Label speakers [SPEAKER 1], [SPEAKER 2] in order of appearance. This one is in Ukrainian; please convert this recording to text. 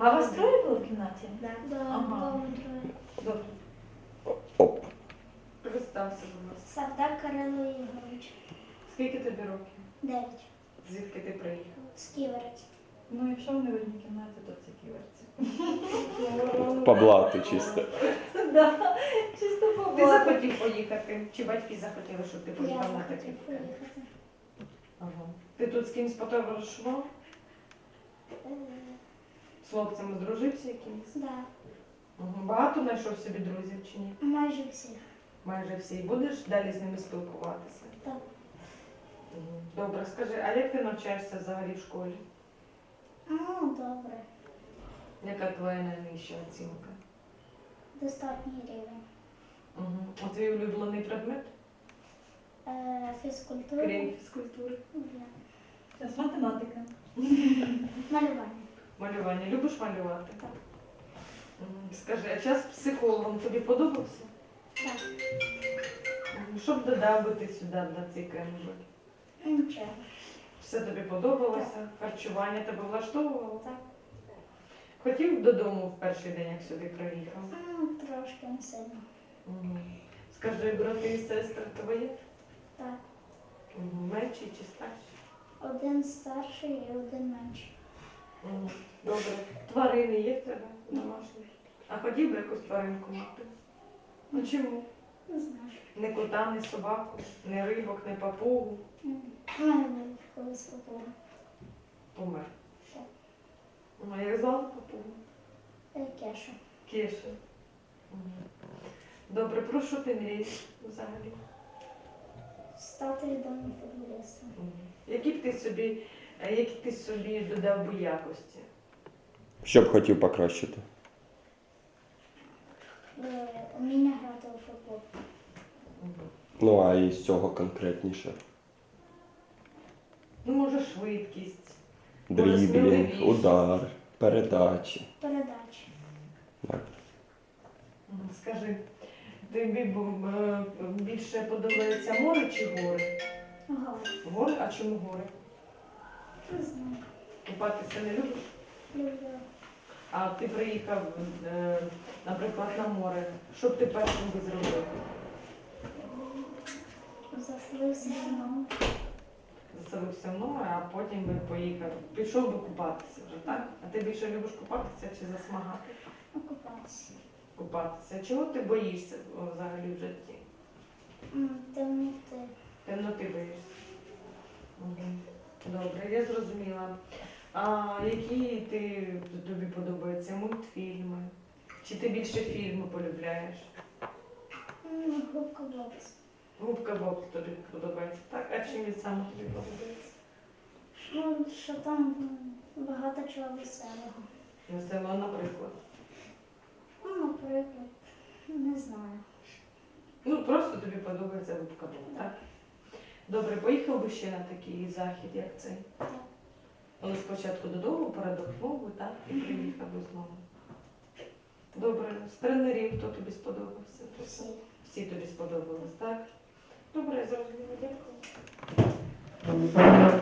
[SPEAKER 1] А вас троє було в кімнаті?
[SPEAKER 2] Да.
[SPEAKER 1] Ага. Добре.
[SPEAKER 3] Оп.
[SPEAKER 4] Представся, будь ласка.
[SPEAKER 2] Савдак Кирило Ігорович.
[SPEAKER 4] Скільки тобі років?
[SPEAKER 2] 9.
[SPEAKER 4] Звідки ти приїхав?
[SPEAKER 2] З Ківерець.
[SPEAKER 1] Ну, якщо вони в одній кімнаті, то це ківерці.
[SPEAKER 3] Поблати чисто.
[SPEAKER 1] Да, чисто
[SPEAKER 4] Ти
[SPEAKER 1] побачити.
[SPEAKER 4] захотів поїхати? Чи батьки захотіли, щоб ти
[SPEAKER 2] Я
[SPEAKER 4] поїхав на
[SPEAKER 2] захотів
[SPEAKER 4] таке?
[SPEAKER 2] поїхати.
[SPEAKER 4] Ага. Ти тут з кимось подорожував?
[SPEAKER 2] Е,
[SPEAKER 4] З хлопцями здружився якимось?
[SPEAKER 2] Да.
[SPEAKER 4] Ага. Багато знайшов собі друзів чи ні?
[SPEAKER 2] Майже всіх.
[SPEAKER 4] Майже всі. І будеш далі з ними спілкуватися?
[SPEAKER 2] Так.
[SPEAKER 4] Ага. Добре, скажи, а як ти навчаєшся взагалі в школі?
[SPEAKER 2] Ну, добре.
[SPEAKER 4] Яка твоя найнижча оцінка?
[SPEAKER 2] Достатній рівень.
[SPEAKER 4] Ага. А твій улюблений предмет?
[SPEAKER 2] Фізкультура.
[SPEAKER 4] Крім фізкультури.
[SPEAKER 2] Да.
[SPEAKER 1] Зараз математика.
[SPEAKER 2] Малювання.
[SPEAKER 4] Малювання. Любиш малювати?
[SPEAKER 2] Так.
[SPEAKER 4] Ага. Скажи, а час з психологом тобі подобався?
[SPEAKER 2] Так.
[SPEAKER 4] Ага. Що б додав би ти сюди на цей Кембридж?
[SPEAKER 2] Нічого.
[SPEAKER 4] Все тобі подобалося? Харчування тебе влаштовувало?
[SPEAKER 2] Так.
[SPEAKER 4] Хотів додому в перший день, як сюди приїхав?
[SPEAKER 2] Ну, трошки не сильно.
[SPEAKER 4] Угу. Скажи, брати і сестри твої?
[SPEAKER 2] Так.
[SPEAKER 4] Угу. Менші чи старші?
[SPEAKER 2] Один старший і один менший.
[SPEAKER 4] Угу. Добре. Тварини є в тебе домашні? А хотів би якусь тваринку мати? Ну чому?
[SPEAKER 2] Не знаю.
[SPEAKER 4] Не кота, не собаку, не рибок, не папугу.
[SPEAKER 2] У мене був колись попуга.
[SPEAKER 4] Помер.
[SPEAKER 2] Так.
[SPEAKER 4] Ну, а як звали папугу?
[SPEAKER 2] Кеша.
[SPEAKER 4] Кеша. Угу. Добре, про що ти мрієш взагалі?
[SPEAKER 2] Стати відомим футболістом.
[SPEAKER 4] Угу. Які б ти собі додав би якості?
[SPEAKER 3] Що б хотів покращити?
[SPEAKER 2] Уміння грати у футбол.
[SPEAKER 4] Угу.
[SPEAKER 3] Ну, а із цього конкретніше.
[SPEAKER 4] Ну, може, швидкість.
[SPEAKER 3] Дріблінг,
[SPEAKER 4] сміливість.
[SPEAKER 3] удар, передачі.
[SPEAKER 2] Передачі.
[SPEAKER 3] Так.
[SPEAKER 4] Мгм. Скажи, тобі більше подобається море чи гори?
[SPEAKER 2] Гол.
[SPEAKER 4] Гори? А чому гори?
[SPEAKER 2] Не знаю.
[SPEAKER 4] Купатися не любиш?
[SPEAKER 2] Люблю.
[SPEAKER 4] А ти приїхав, наприклад, на море. Що б ти першим би зробив?
[SPEAKER 2] Заселився мною.
[SPEAKER 4] Заселився в море, а потім би поїхав. Пішов би купатися вже, так? А ти більше любиш купатися чи засмагати?
[SPEAKER 2] Окупатися.
[SPEAKER 4] Купатися. Чого ти боїшся взагалі в житті?
[SPEAKER 2] Темноти.
[SPEAKER 4] Темноти боїшся. Мгм. Добре, я зрозуміла. А які тобі подобаються мультфільми? Чи ти більше фільми полюбляєш?
[SPEAKER 2] Губка бокс.
[SPEAKER 4] Губка Боб тобі подобається, так? А чим він саме тобі подобається?
[SPEAKER 2] Ну, що там багато чого веселого.
[SPEAKER 4] Весело, наприклад.
[SPEAKER 2] Ну, наприклад, не знаю.
[SPEAKER 4] Ну, просто тобі подобається Губка Боб, так? Добре, поїхав би ще на такий захід, як цей?
[SPEAKER 2] Так.
[SPEAKER 4] Але спочатку додому передохнув би, так? І приїхав би знову. Добре, з тренерів хто тобі сподобався?
[SPEAKER 2] Всі.
[SPEAKER 4] Всі тобі сподобались, так? Добре, я зрозуміла, дякую.